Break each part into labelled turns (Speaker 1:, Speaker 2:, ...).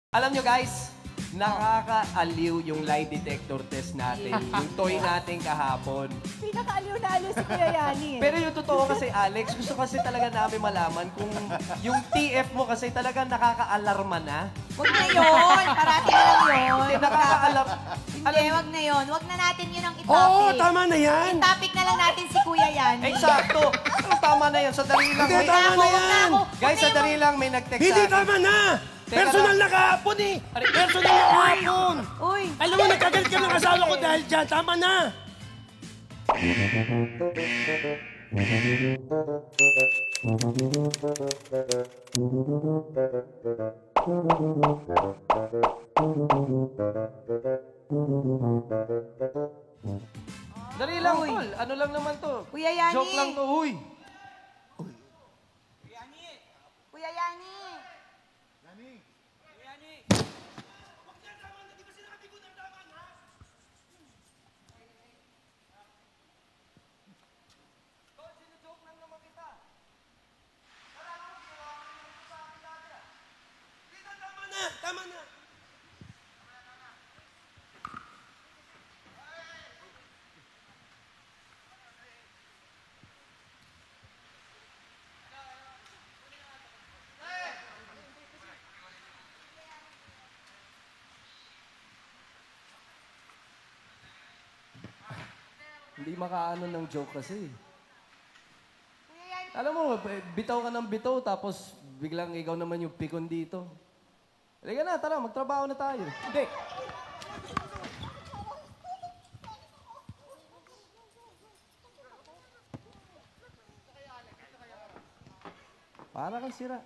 Speaker 1: Alam nyo guys, nakakaaliw yung lie detector test natin. Yung toy natin kahapon.
Speaker 2: Pinakaaliw na aliw si Kuya Yani.
Speaker 1: Pero yung totoo kasi, Alex, gusto kasi talaga namin malaman kung yung TF mo kasi talaga nakaka-alarma na.
Speaker 2: Huwag na yun. Parati na lang yun.
Speaker 1: Hindi, nakaka-alarm.
Speaker 2: Hindi, huwag na yun. Huwag na natin yun ang
Speaker 3: Oo,
Speaker 2: itopic.
Speaker 3: tama na yan.
Speaker 2: I-topic na lang natin si Kuya Yani.
Speaker 1: Eksakto. Ano, tama na yan. Sandali lang.
Speaker 3: Hindi,
Speaker 1: May,
Speaker 3: tama na yan.
Speaker 1: guys, sandali lang. May nag-text
Speaker 3: Hindi
Speaker 1: sa akin.
Speaker 3: tama na.
Speaker 1: Teka
Speaker 3: Personal
Speaker 1: lang.
Speaker 3: na kahapon eh. Personal na kahapon.
Speaker 2: Uy,
Speaker 3: Alam mo, nagkagalit ka ng asawa ko dahil dyan. Tama na.
Speaker 1: Dali lang,
Speaker 2: Uy.
Speaker 1: tol. Ano lang naman to?
Speaker 2: Kuya Yani.
Speaker 1: Joke lang to, huy.
Speaker 2: Kuya Yani.
Speaker 3: Tama na. Tama na.
Speaker 1: Hindi makaano ng joke kasi.
Speaker 2: Kuya Yani.
Speaker 1: Alam mo, bitaw ka ng bitaw, tapos biglang ikaw naman yung pikon dito. Halika na, tara, magtrabaho na tayo. Hindi. Para kang sira.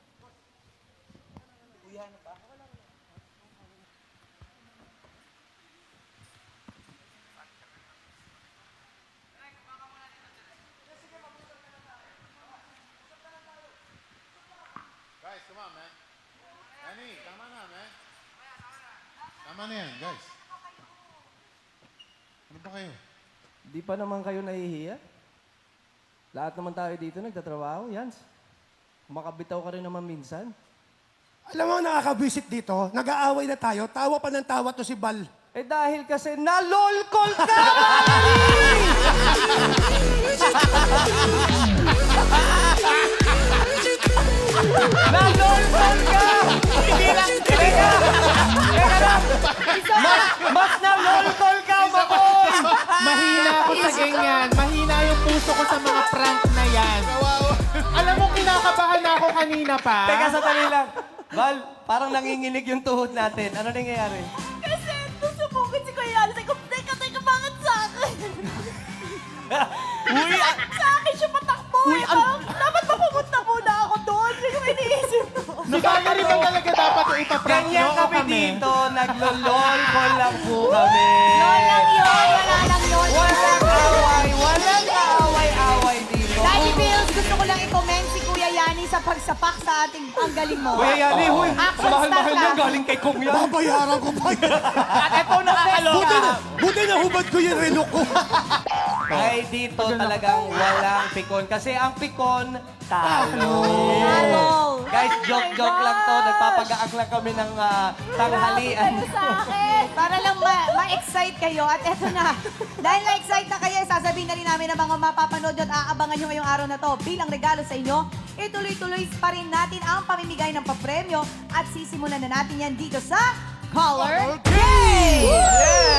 Speaker 4: Guys, come on, man. Danny, tama na, man. Tama na yan, guys. Ano ba kayo?
Speaker 1: Di pa naman kayo nahihiya? Lahat naman tayo dito nagtatrabaho, Yans. Makabitaw ka rin naman minsan.
Speaker 3: Alam mo, nakakabisit dito. Nag-aaway na tayo. Tawa pa ng tawa to si Bal.
Speaker 1: Eh dahil kasi nalolkol ka! Nalolkol ka! Hindi lang, teka! Teka lang! Mas nalolkol ka, Makoy!
Speaker 5: Mahina ako sa ganyan. Mahina yung puso ko sa mga prank na yan. Alam mo, kinakabahan na ako kanina pa.
Speaker 1: Teka, sandali lang. Val, parang nanginginig yung tuhod natin. Ano nangyayari?
Speaker 2: Kasi nusubugin si Kuya Yani. Sabi ko, teka, bakit sa akin?
Speaker 1: Uy,
Speaker 2: Sa akin siya patakbo.
Speaker 1: Uy,
Speaker 2: Parang, dapat ba pumunta muna ako doon? Hindi ko iniisip ko.
Speaker 5: Si Valerie ba talaga dapat yung ipaprank
Speaker 1: ganyan
Speaker 5: nyo o
Speaker 1: kami
Speaker 5: kami?
Speaker 1: dito. Naglololkol lang po kami.
Speaker 2: Yun lang yun. Wala lang yun.
Speaker 1: Walang away. Walang kaaway-away dito.
Speaker 2: Daddy Bills, gusto ko lang i-comment si Kuya Yani sa pagsapak sa ating ang galing mo.
Speaker 1: Kuya Yani, huy.
Speaker 2: Action
Speaker 1: Mahal-mahal
Speaker 2: star
Speaker 1: yan.
Speaker 2: ka.
Speaker 1: Galing kay Kong yan.
Speaker 3: Babayaran ko pa yan.
Speaker 1: At ito nakakaloka.
Speaker 3: Buti na hubad ko yung relo ko.
Speaker 1: Ay, dito talagang walang pikon. Kasi ang pikon, talo.
Speaker 2: Talo.
Speaker 1: Guys, joke-joke lang to. Nagpapagaak lang kami ng tanghalian.
Speaker 2: Kayo sa akin. Para lang ma-excite kayo. At eto na. Dahil na-excite na kayo, sasabihin na rin namin ng mga mapapanood at aabangan nyo ngayong araw na to. Bilang regalo sa inyo, ituloy-tuloy pa rin natin ang pamimigay ng papremyo at sisimulan na natin yan dito sa Color Game!